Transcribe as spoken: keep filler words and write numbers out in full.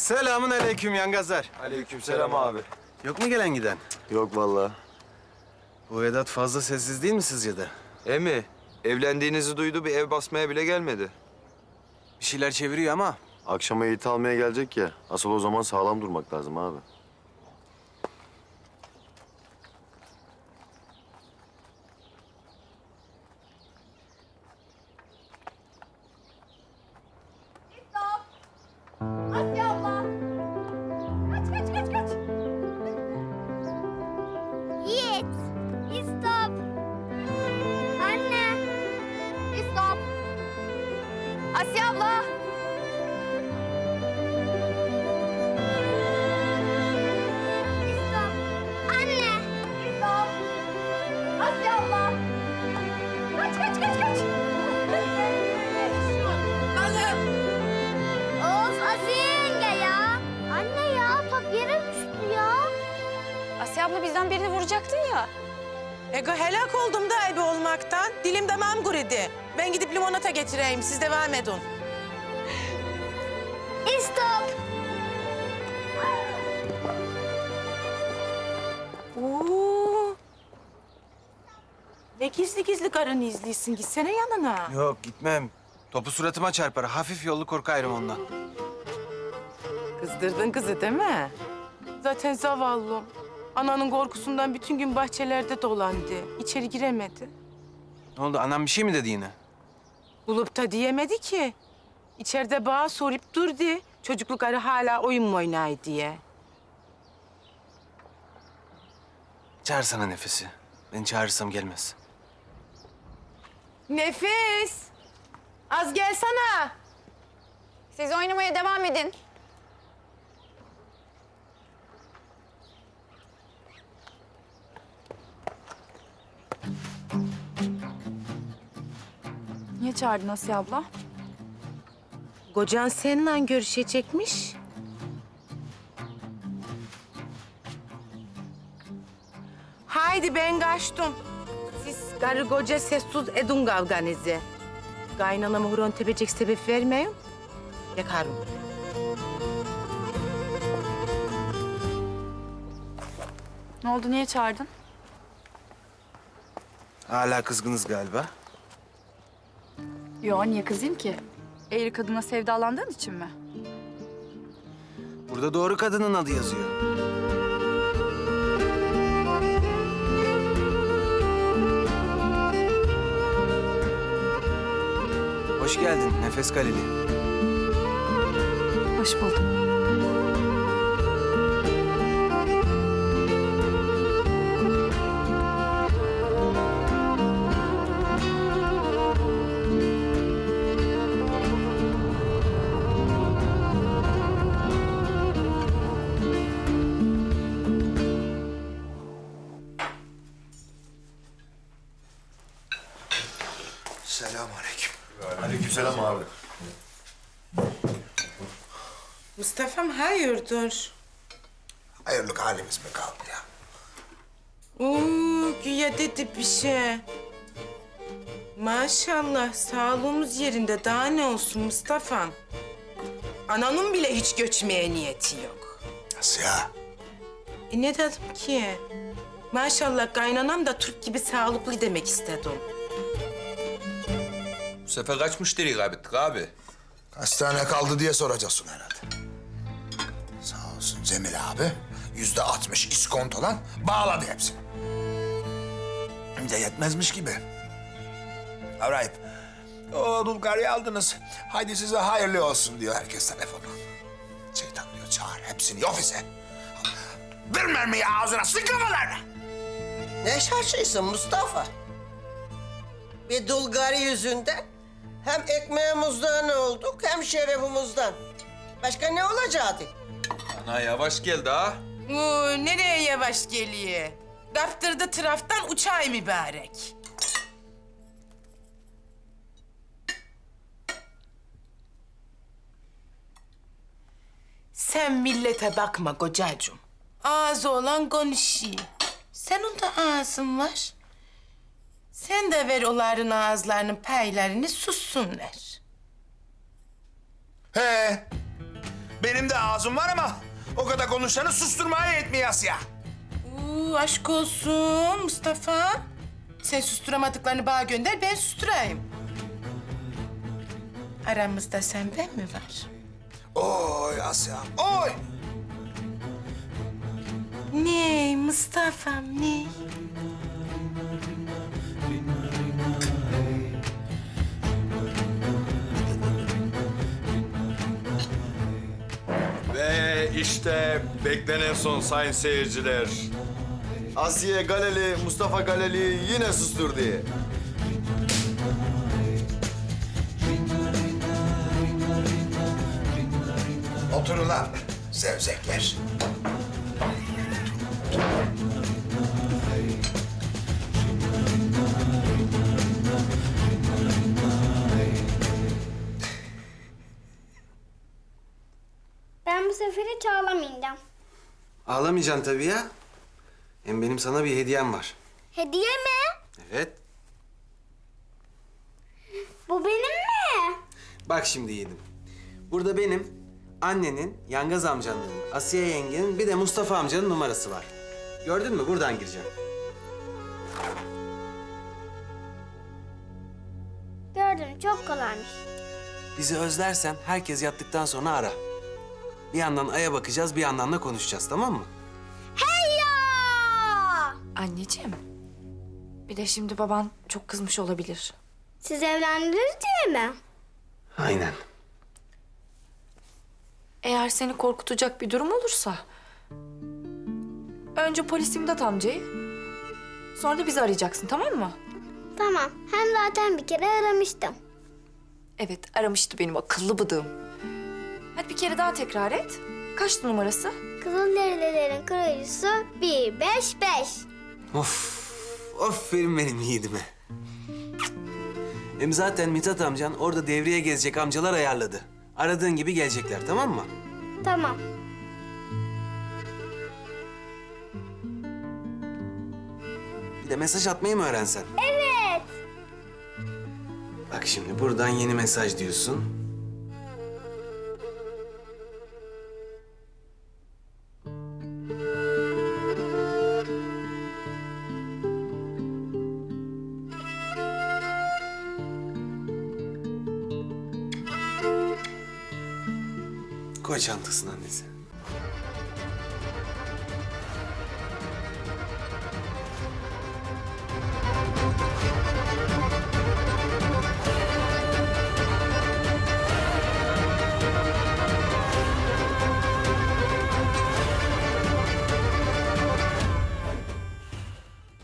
Selamun aleyküm yangazlar. Aleykümselam abi. Yok mu gelen giden? Yok vallahi. Bu Vedat fazla sessiz değil mi sizce de? Emi, evlendiğinizi duydu, bir ev basmaya bile gelmedi. Bir şeyler çeviriyor ama. Akşama Yiğit'i almaya gelecek ya. Asıl o zaman sağlam durmak lazım abi. Asya abla. Kaç kaç kaç kaç. Yiğit. İstop. Anne. İstop. Asya abla. İstop. Anne. İstop. Asya abla. Kaç kaç kaç kaç. Kızım. Of Asiye yenge ya. Anne ya top yere düştü ya. Asya abla bizden birini vuracaktın ya. Ego helak oldum da ebe olmaktan. Dilim damağım kuridi. Ben gidip limonata getireyim. Siz devam edin. İstop. Oo. Ne gizli gizli karını izliyorsun. Gitsene yanına. Yok gitmem. Topu suratıma çarpar. Hafif yollu korkarım ondan. Kızdırdın kızı değil mi? Zaten zavallım. Ananın korkusundan bütün gün bahçelerde dolandı. İçeri giremedi. Ne oldu? Anam bir şey mi dedi yine? Bulup da diyemedi ki. İçeride bağa sorup durdu. Çocukluk arı hala oyun mu oynay diye. Çağırsana Nefes'i. Ben çağırırsam gelmez. Nefis! Az gelsene. Siz oynamaya devam edin. Niye çağırdın Asiye abla? Kocan seninle görüşecekmiş. Haydi ben kaçtım. Siz karı koca sessiz edin kavganızı. Kaynanama horon tepecek sebep vermeyin. Yakarım. Ne oldu, niye çağırdın? Hala kızgınız galiba. Yo, niye kızayım ki? Eğri kadına sevdalandığın için mi? Burada doğru kadının adı yazıyor. Hoş geldin Nefes Kaleli. Hoş buldum. Selamünaleyküm. Aleykümselam abi. Mustafa'm hayırdır? Hayırlık halimiz mi kaldı ya? Oo, güya dedi bir şey. Maşallah sağlığımız yerinde. Daha ne olsun Mustafa'm? Ananın bile hiç göçmeye niyeti yok. Nasıl ya? E ne dedim ki? Maşallah kaynanam da Türk gibi sağlıklı demek istedim. Bu sefer kaç müşteri kaybettik abi? Hastane kaldı diye soracaksın herhalde. Sağ olsun Cemil abi. Yüzde altmış iskontodan bağladı hepsini. Hem de yetmezmiş gibi. Arayıp, o Dulgar'ı aldınız. Haydi size hayırlı olsun diyor herkes telefonu. Şeytan diyor çağır hepsini ofise. Bir mermiyi ağzına sık kafalarına. Ne şaşıysın Mustafa? Bir Dulgari yüzünden hem ekmeğimizden olduk hem şerefimizden. Başka ne olacaktı? Ana yavaş geldi ha. Oo, nereye yavaş geliyor? Kaptırdı traftan uçay mübarek. Sen millete bakma kocacığım. Ağzı olan konuşuyor. Senin de ağzın var. Sen de ver onların ağızlarının paylarını sussunlar. He. Benim de ağzım var ama o kadar konuşanı susturmaya yetmiyor Asya. Uuu aşk olsun Mustafa. Sen susturamadıklarını bana gönder, ben susturayım. Aramızda sen ben mi var? Oy Asya, oy! Ne Mustafa'm ne? Ve işte beklenen son sayın seyirciler. Asiye Galeli, Mustafa Galeli yine sustur diye. Oturun lan zevzekler. Ben bu sefer hiç ağlamayacağım. Ağlamayacaksın tabii ya. Hem benim sana bir hediyem var. Hediye mi? Evet. Bu benim mi? Bak şimdi yiğidim. Burada benim, annenin, Yangaz amcanın, Asiye yengenin bir de Mustafa amcanın numarası var. Gördün mü? Buradan gireceğim. Gördüm, çok kolaymış. Bizi özlersen herkes yattıktan sonra ara. Bir yandan aya bakacağız, bir yandan da konuşacağız, tamam mı? Hey ya! Anneciğim. Bir de şimdi baban çok kızmış olabilir. Siz evlendiniz diye mi? Aynen. Eğer seni korkutacak bir durum olursa... Önce polis İmdat amcayı, sonra da bizi arayacaksın, tamam mı? Tamam, hem zaten bir kere aramıştım. Evet, aramıştı benim akıllı bıdığım. Hadi bir kere daha tekrar et. Kaçtı numarası? Kızılderililerin kraliçesi bir beş beş. Of, aferin benim yiğidime. Hem zaten Mithat amcan orada devreye gezecek amcalar ayarladı. Aradığın gibi gelecekler, tamam mı? Tamam. Bir de mesaj atmayı mı öğrensen? Evet. Bak şimdi buradan yeni mesaj diyorsun. Koy çantasına annesi.